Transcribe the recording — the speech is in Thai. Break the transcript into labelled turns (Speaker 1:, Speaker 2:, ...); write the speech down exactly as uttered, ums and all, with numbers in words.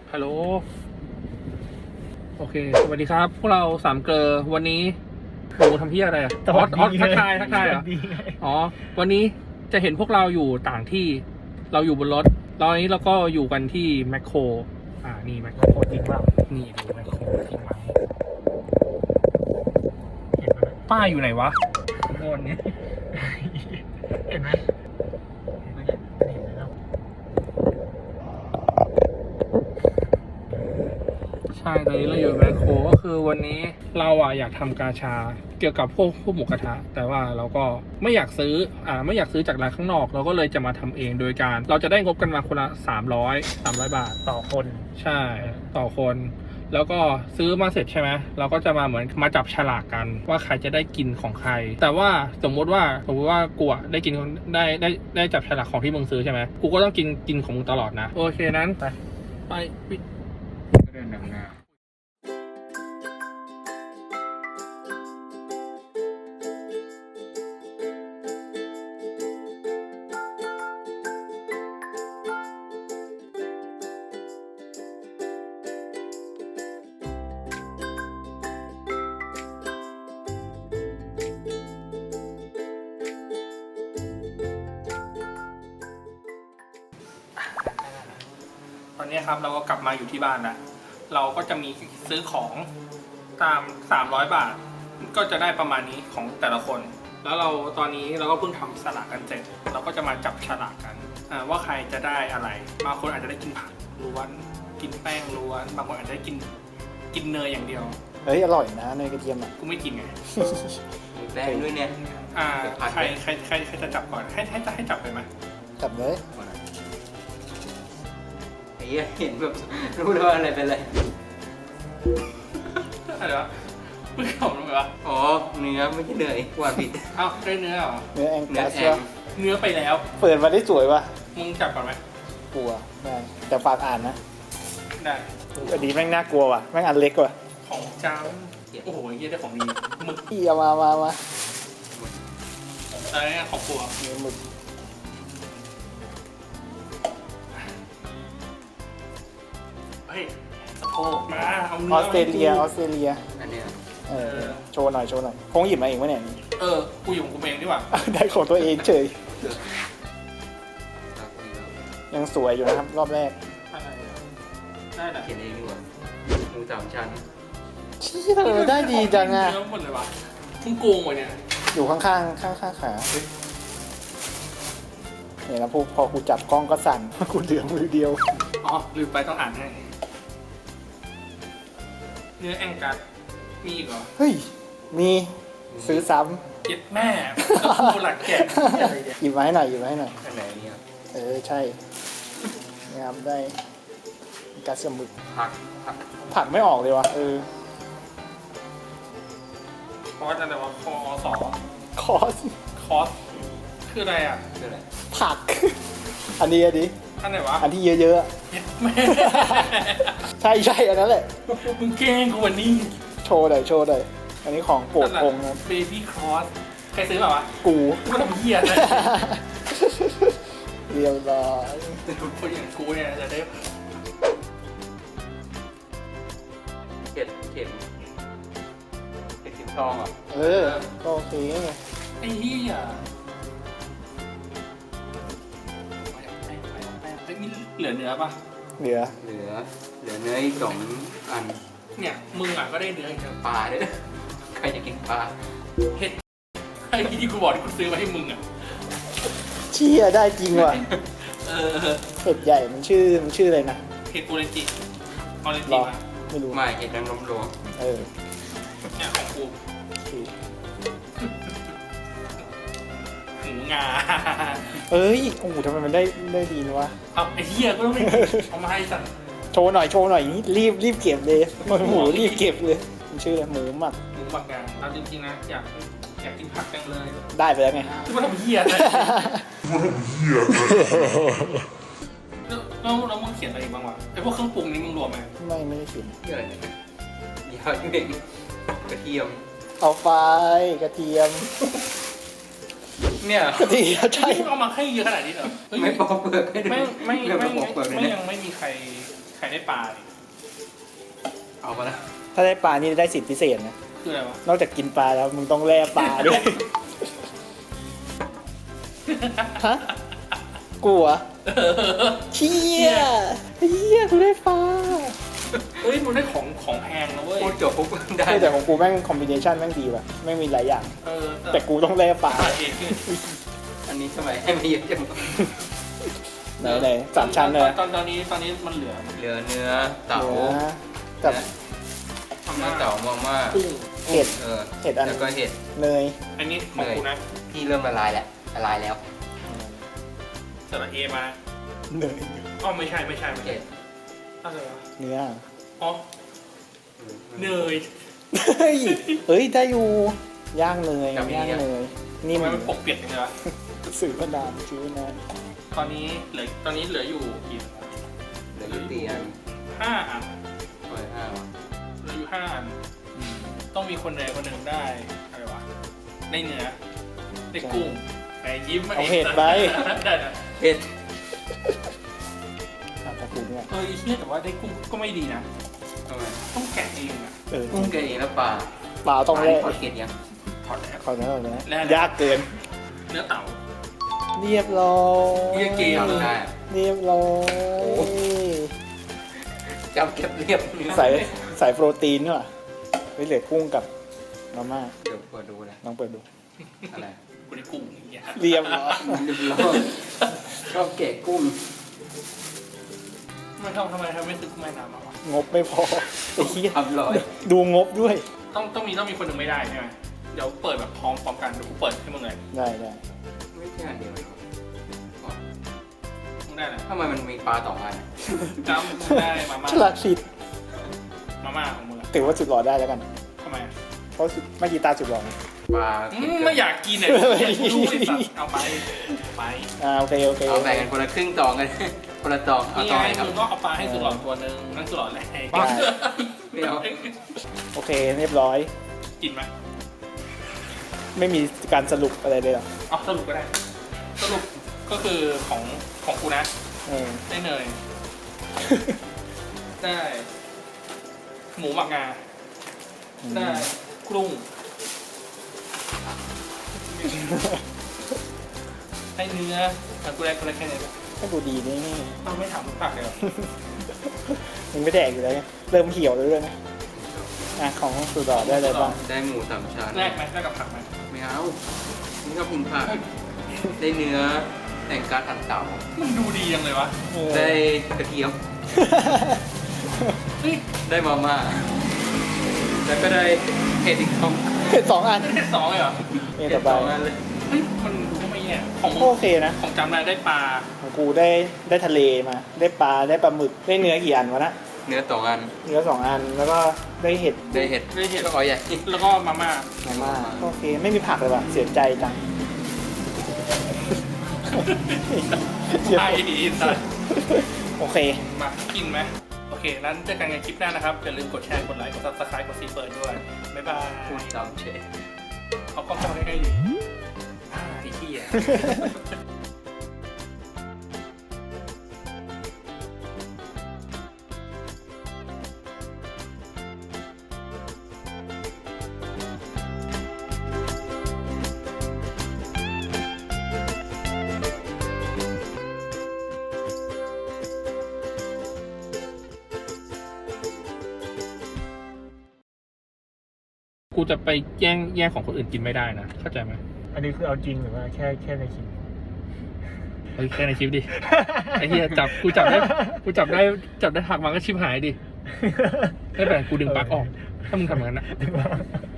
Speaker 1: ฮัลโหลโอเคสวัสดีครับพวกเราสามเกลอวันนี้โอ้ทำพี่อะไรอ่ะออสออสทักทายทักทายเหรออ๋อวันนี้จะเห็นพวกเราอยู่ต่างที่เราอยู่บนรถตอนนี้เราก็อยู่กันที่แมคโครอ่านี่แมคโครจริงเปล่านี่ดูแมคโครจริงไหมเห็นไหมป้ายอยู่ไหนวะข้างบนนี้เห็นไหมใช่ตอนนี้เราอยู่แมคโครก็คือวันนี้เราอ่ะอยากทำกาชาเกี่ยวกับพวกพวกหมูกระทะแต่ว่าเราก็ไม่อยากซื้ออ่าไม่อยากซื้อจากร้านข้างนอกเราก็เลยจะมาทำเองโดยการเราจะได้งบกันมาคนละสามร้อยสามร้อยบาท
Speaker 2: ต่อคน
Speaker 1: ใช่ต่อคนแล้วก็ซื้อมาเสร็จใช่ไหมเราก็จะมาเหมือนมาจับฉลากกันว่าใครจะได้กินของใครแต่ว่าสมมติว่าสมมติว่ากูอ่ะได้กินได้ได้ได้จับฉลากของที่มึงซื้อใช่ไหมกูก็ต้องกินกินของมึงตลอดนะโอเคนั้นไปไปปิดเดินนำหน้าตอนนี้ครับเราก็กลับมาอยู่ที่บ้านแล้วเราก็จะมีซื้อของตามสามร้อยบาทก็จะได้ประมาณนี้ของแต่ละคนแล้วเราตอนนี้เราก็เพิ่งทำสลากกันเสร็จเราก็จะมาจับฉลากกันว่าใครจะได้อะไรบางคนอาจจะได้กินผักล้วนกินแป้งล้วนบางคนอาจจะได้กินกินเนยอย่างเดียว
Speaker 2: เฮ้ยอร่อยนะเนยกระเทียมอ่ะ
Speaker 1: กูไม่กินไง
Speaker 3: แป้งด้วยเนี่ย
Speaker 1: อ่าใครใครใครใครจะจับก่อนให้ให้จะให้จับไปไหม
Speaker 2: จับเลย
Speaker 3: ไอ้เหี้ยเห็นแบบรู้เลยว่าอะไรเป็นอะไร
Speaker 1: อะไรวะมึงขำทำไมวะ
Speaker 3: อ๋อเนื้อไม่ใช่เนยว่าผิด
Speaker 1: เอ้าได้เนื้อเหรอ
Speaker 2: เนื้อแองกัส
Speaker 1: เนื้อไปแล้ว
Speaker 2: เปิดมาได้สวยว่ะ
Speaker 1: มึงจับก่อนไหม
Speaker 2: กลัวได้แต่ฝากอ่านนะ
Speaker 1: ได้
Speaker 2: อันนี้แม่งน่ากลัวว่ะแม่งอันเล็กว่ะ
Speaker 1: ของจ้าโอ้โหเยี่ยได้ของดีหมึก
Speaker 2: อีเอามามามา
Speaker 1: อะไรเนี่ยของกลัว
Speaker 2: เนื้อหมึก
Speaker 1: เฮ้ยสะโพกมาเอาเนื้อ
Speaker 2: ออสเตรเลียออสเตรเลีย
Speaker 3: อันเนี้ย
Speaker 2: เออโชว์หน่อยโชว์หน่อยคงหยิบมาเองวะเนี่ย
Speaker 1: เออกูอยู่ของกูเองดีกว่า
Speaker 2: ได้ของตัวเองเฉยยังสวยอยู่นะครับรอบแรก
Speaker 1: ได้แหละ
Speaker 3: เขียนเองดีกว่าหมูสามชั้น
Speaker 2: ชี้เธอได้ดีจังอ่ะ
Speaker 1: เนื้อหมดเลยวะมึงโกงวะเนี่ย
Speaker 2: อยู่ข้างข้างข้างข้างขาเนี่ยนะพอพอกูจับกล้องก็สั่นกูเหลือมือเดียว
Speaker 1: อ๋อลืมไปต้องอ่านให้เนื้อแองกัสมีอีกเหรอ
Speaker 2: เฮ้ยมีซื้อซ้
Speaker 1: ำเจ็ดแม่กูหลักแกะ
Speaker 2: หยิบมาให้หน่อยหยิบมาให้หน่อย
Speaker 3: อันไหนเนี่ย
Speaker 2: เออใช่นะครับได้กัสมึก
Speaker 3: ผักผัก
Speaker 2: ผักไม่ออกเลยวะเออ
Speaker 1: คอสอะไรวะคอสอ
Speaker 2: คอส
Speaker 1: คอสคืออะไรอ่ะ
Speaker 3: คืออะไร
Speaker 2: ผักอันนี้อันนี้
Speaker 1: อันไหนวะ
Speaker 2: อันที่เยอะๆใช่ใช่อันนั้นแหละ
Speaker 1: มึงแกล้งกูวันนี้
Speaker 2: โชว์หน่อยโชว์หน่อยอันนี้ของโปรดองค์นะ
Speaker 1: เบบี้คอสใครซื้อแบบวะ
Speaker 2: กู
Speaker 1: กูทำเหี้ยเลย
Speaker 2: เรียบร้อย
Speaker 1: คนอย่างกูเนี่ยจะได้
Speaker 3: เข็ดเข็มเข็ดเข็มทองอ่ะ
Speaker 2: เออก็โอเค
Speaker 1: ไอ้เหี้ยมีเหลือเนื้อปะ
Speaker 2: เหลือ
Speaker 3: เหลือเหลือเนื้ออีกสองอัน
Speaker 1: เนี่ยมึงอ่ะก็ได้เนื้ออีก
Speaker 3: ปลาด้วยใครจะกินปลา
Speaker 1: เห็ดไอ้ที่กูบอกที่กูซื้อมาให้มึงอ่ะ
Speaker 2: เชี่ยได้จริงว่ะ
Speaker 1: เออ
Speaker 2: เห็ดใหญ่มันชื่อมันชื่ออะไรนะ
Speaker 1: เห็ดโอเรนจิออเรนจิมา
Speaker 2: ไม่รู้
Speaker 3: ไม่เห็ดนางรมหลวง
Speaker 2: เออ
Speaker 1: เนี่ยของกูหมูงา
Speaker 2: เอ้ยโอ้โหทำไมมันได้ได้ดีนะวะ
Speaker 1: เอาไอ้เหี้ยก็ต้องไม่เอามาให้สั่ง
Speaker 2: โชว์หน่อยโชว์หน่อยนี่รีบรีบเก็บเลยหมูรีบเก็บเลยมันชื่ออะไรหมูหมัก
Speaker 1: หมูหมักงาเอาจริงๆนะอยากอยากกินผักจังเลย
Speaker 2: ได้ไปแล้วไง
Speaker 1: คือมันทำเหี้ยเลยมันทำเหี้ยแล้วแล้วมึงเขียนอะไรบ้างวะไอ้พวกเครื่องปรุงนี้มึงรวมไหม
Speaker 2: ไม่ไม่ได้เขียน
Speaker 3: เยอะเลยยาวจริงกระเทียม
Speaker 2: เอาไฟกระเทียม
Speaker 1: เนี่ย
Speaker 2: ดีใช่
Speaker 1: เอามาให้เยอะขนาดนี้เหรอ
Speaker 3: ไม่ปอกเปลือกไม่
Speaker 1: ไม่ไม่ไม่ไม่ยังไม่มีใครใครได้ปลาดิ
Speaker 3: เอามาแล้ว
Speaker 2: ถ้าได้ปลานี่ได้สิทธิพิเศษนะ
Speaker 1: คืออะไรวะ
Speaker 2: นอกจากกินปลาแล้วมึงต้องแล่ปลาด้วย ฮะกูเหรอเชี่ยเฮียกูได้ปลา
Speaker 1: เฮ้ยมึงได้ของของแพงนะเว้ย
Speaker 3: พูดจบปุ๊บได้
Speaker 2: เฮ้ยแต่ของกูแม่งคอมบิเนชันแม่งดีว่ะแม่งมีหลายอย่าง
Speaker 1: เออ
Speaker 2: แต่กูต้องแล่ปลา
Speaker 1: ปลาเองคือ
Speaker 3: อันนี้ทำไมให้มาเยอะจัง
Speaker 2: ไหนไหนสามชั้นเลยนะ
Speaker 1: ตอนตอนนี้ตอนนี้มันเหลือ
Speaker 3: เหลือเนื้อเต่า
Speaker 2: เนื้อกับ
Speaker 3: เนื้อเต่ามาม่า
Speaker 1: กุ้ง
Speaker 2: เห็ด
Speaker 3: เออ
Speaker 2: เห็ดอัน
Speaker 3: แล้วก็เห็ด
Speaker 2: เนย
Speaker 1: อันนี้ของกูนะ
Speaker 3: ที่เริ่มละลายแล้วละลายแล้ว
Speaker 1: สระเอมา
Speaker 2: เนย
Speaker 1: อ๋อไม่ใช่ไม่ใช่ไม่ใช่
Speaker 3: เห็ด
Speaker 1: อะไรวะ
Speaker 2: เนื้อ
Speaker 1: อ๋อเนย
Speaker 2: เฮ้ยเฮ้ยได้อยู่ย่างเนยย่างเนยนี่
Speaker 1: ทำไม
Speaker 2: มัน
Speaker 1: มันปกเปียกจังเลยวะ
Speaker 2: สื่อพนามชื่อนะ
Speaker 1: ตอนนี้เหลือตอนนี้เหลืออยู่กี่
Speaker 3: เหลืออยู่ตีอัน
Speaker 1: ห้าอัน
Speaker 3: ร้อยห้าว่ะ
Speaker 1: เหลืออยู่ห้าอันต้องมีคนใดคนหนึ่งได้อะไรวะได้เนื้อได้กุ้งแหมยิ้มมา
Speaker 2: เอาเห็ดไป
Speaker 1: ได้นะ
Speaker 3: เห็ด
Speaker 2: อ่ะขอบคุณเนี่ย
Speaker 1: เออไอ้เหี้ยแต่ว่าได้กุ้งก็ไม่ดีนะ
Speaker 3: ทำไม
Speaker 1: ต้องแกะเองอะ
Speaker 2: เออ
Speaker 3: กุ้งแกะเองแล้วปลา
Speaker 2: ปลาต้องแล่
Speaker 3: ปลาเก็ดยัง
Speaker 1: ถอดแล้ว
Speaker 2: ขอเนื้อหน่อยนะ
Speaker 1: แล่
Speaker 2: ยากเกิน
Speaker 1: เนื้อเต่า
Speaker 2: เรียบร้อย
Speaker 1: เรียกเกม
Speaker 3: จำได้
Speaker 2: เรียบร้อย
Speaker 3: จำเก็บเรียบเนื้อ
Speaker 2: ใส่ใส่โปรตีนด้วยไม่เหลือกุ้งกับมาม่า
Speaker 3: เดี๋ยวเปิดดูเลย
Speaker 2: ลองเปิดดู
Speaker 3: อะไร
Speaker 1: กูได้กุ้งอย่างเงี้ย
Speaker 2: เรียบร้อย
Speaker 3: เรียบร้อยชอบแกะกุ้ง
Speaker 1: ทำไมทำทำไมทำไมไม่ซื้อกุ้งแม่น้ำมาวะ
Speaker 2: งบไม่พอไอ้เหี้ย
Speaker 3: ทำร้อย
Speaker 2: ดูงบด้วย
Speaker 1: ต้องต้องมีต้องมีคนหนึ่งไม่ได้ใช่ไหมเดี๋ยวเปิดแบบพร้อมพร้อมกันเดี๋ยวกูเปิดให้มึงเลย
Speaker 2: ได้ได้
Speaker 3: ไม่ใช่อันเดียว
Speaker 1: มึงได้เลย
Speaker 3: ทำไมมันมีปลาสองอัน
Speaker 1: จำมึงได้มาม่า
Speaker 2: ฉลาดสิ
Speaker 1: มาม่าของมึงอะ
Speaker 2: ถือว่าจุดหล่อได้แล้วกัน
Speaker 1: ทำไมอะ
Speaker 2: เพราะสุดไม่กีตาร์จุดหล่อไง
Speaker 3: ปลา
Speaker 1: อืมไม่อยากกินเนี่ยกูรู้ไอ้สัตว์เอาไปไป
Speaker 2: อ่าโอเคโอเค
Speaker 3: เอาแบ่งกันคนละครึ่งตองกัน คนละตองเอา
Speaker 1: นี่
Speaker 3: ตอง
Speaker 1: ไง
Speaker 3: ไหนครับ
Speaker 1: มึงก็เอาปลาให้สุดหลอดตัวหนึ่งนั่นสุดหลอดแรก
Speaker 3: ไม่เอา
Speaker 2: โอเคเรียบร้อย
Speaker 1: กินไหม
Speaker 2: ไม่มีการสรุปอะไรเลยหรอ
Speaker 1: เอาสรุปก็ได้ สรุปก็คือของของกูนะ
Speaker 2: เออ
Speaker 1: ได้เนย ได้ หมูหมักงา ได้กุ้งได้เนื้อแต่กูได้กูได้แค่นี้แหละ
Speaker 2: ให้ดูดีนี่
Speaker 1: ต้องไม่ถามทุกผักเลยเหรอ
Speaker 2: มึงไม่แดกอยู่แล้วไงเริ่มเหี่ยวแล้วด้วยนะอ่ะของสุดหล่อได้อะไรบ้าง
Speaker 3: ได้หมูสามชั้น
Speaker 1: แรกไหมแรกกับผักไหม
Speaker 3: ไม่เอานี่ก็คุณผักได้เนื้อแต่งการหั่นเต่า
Speaker 1: มันดูดียังเลยวะ
Speaker 2: เออ
Speaker 3: ได้กระเทียม
Speaker 1: เฮ้ย
Speaker 3: ได้มาม่าแล้วก็ได้เห็ดอีกสอง
Speaker 2: สองอัน
Speaker 1: ได้สองเลยเหรอ
Speaker 2: นี่
Speaker 3: เห็
Speaker 2: ต่
Speaker 3: ด
Speaker 2: อไป
Speaker 3: สองอันเลย
Speaker 1: เฮ้ยมันดูก็ไม่แย่ของมึง
Speaker 2: โอเคนะ
Speaker 1: ของจำได้ได้ปลา
Speaker 2: ของกูได้ได้ทะเลมา ได้ปลาได้ปลาหมึกได้เนื้อกี่อันวะนะ
Speaker 3: เนื้อสองอัน
Speaker 2: เนื้อสองอันแล้วก็ได้เห็ด
Speaker 3: ได้เห็ด
Speaker 1: ได้เห็ด
Speaker 3: ก็อ๋อใหญ่
Speaker 1: แล้วก็มาม่า
Speaker 2: มาม่าโอเคไม่มีผักเลยว่ะเสียใจจัง
Speaker 1: ไอ้สัส
Speaker 2: โอเค
Speaker 1: มากินไหมโอเคนั้นเจอกันในคลิปหน้านะครับอย่าลืมกดแชร์กดไลค์กดซับสไครต์กดซีเปิดด้วยบ๊ายบาย
Speaker 3: พูดตามเชฟ
Speaker 1: เอากล้องเข้ามาใกล้ๆดิอ่าไอ้ขี้อ่ะ กูจะไปแย่งแย่งของคนอื่นกินไม่ได้นะ เข้าใจไหม
Speaker 2: อันนี้คือเอาจริงหรือว่าแค่แค่ในคลิป
Speaker 1: เฮ้ยแค่ในคลิปดิ ไอ้เหี้ยจับกูจับได้กูจับได้จับได้หักมาก็ชิบหายดิไม่เป็นไรกูดึงปลั๊กออก ถ้ามึงทำอย่างนั้นนะ